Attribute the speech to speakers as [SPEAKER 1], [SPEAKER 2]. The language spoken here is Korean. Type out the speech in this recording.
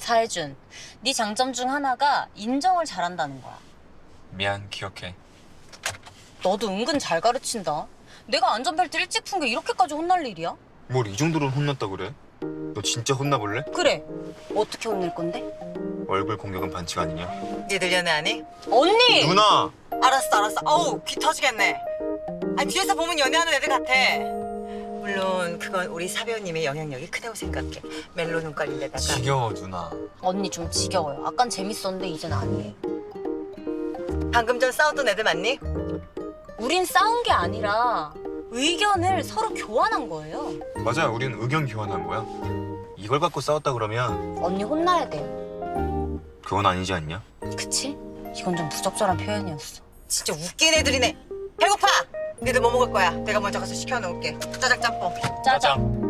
[SPEAKER 1] 사해준, 네 장점 중 하나가 인정을 잘한다는 거야.
[SPEAKER 2] 미안, 기억해.
[SPEAKER 1] 너도 은근 잘 가르친다. 내가 안전벨트 일찍 푼 게 이렇게까지 혼날 일이야?
[SPEAKER 2] 뭘 이 정도로 혼났다 그래? 너 진짜 혼나볼래?
[SPEAKER 1] 그래. 어떻게 혼낼 건데?
[SPEAKER 2] 얼굴 공격은 반칙 아니냐?
[SPEAKER 3] 니들 연애하니?
[SPEAKER 1] 언니!
[SPEAKER 2] 누나!
[SPEAKER 3] 알았어. 어우, 귀 터지겠네. 아, 뒤에서 보면 연애하는 애들 같아. 물론 그건 우리 사배우님의 영향력이 크다고 생각해. 멜로 눈깔인데다가.
[SPEAKER 2] 지겨워, 누나.
[SPEAKER 1] 언니 좀 지겨워요. 아깐 재밌었는데 이젠 아니에요.
[SPEAKER 3] 방금 전 싸웠던 애들 맞니?
[SPEAKER 1] 우린 싸운 게 아니라 의견을 서로 교환한 거예요.
[SPEAKER 2] 맞아, 우린 의견 교환한 거야. 이걸 갖고 싸웠다 그러면
[SPEAKER 1] 언니 혼나야 돼요.
[SPEAKER 2] 그건 아니지 않냐?
[SPEAKER 1] 그치? 이건 좀 부적절한 표현이었어.
[SPEAKER 3] 진짜 웃긴 애들이네. 배고파! 니들 뭐 먹을 거야? 내가 먼저 가서 시켜놓을게. 짜장 짬뽕.
[SPEAKER 1] 짜장.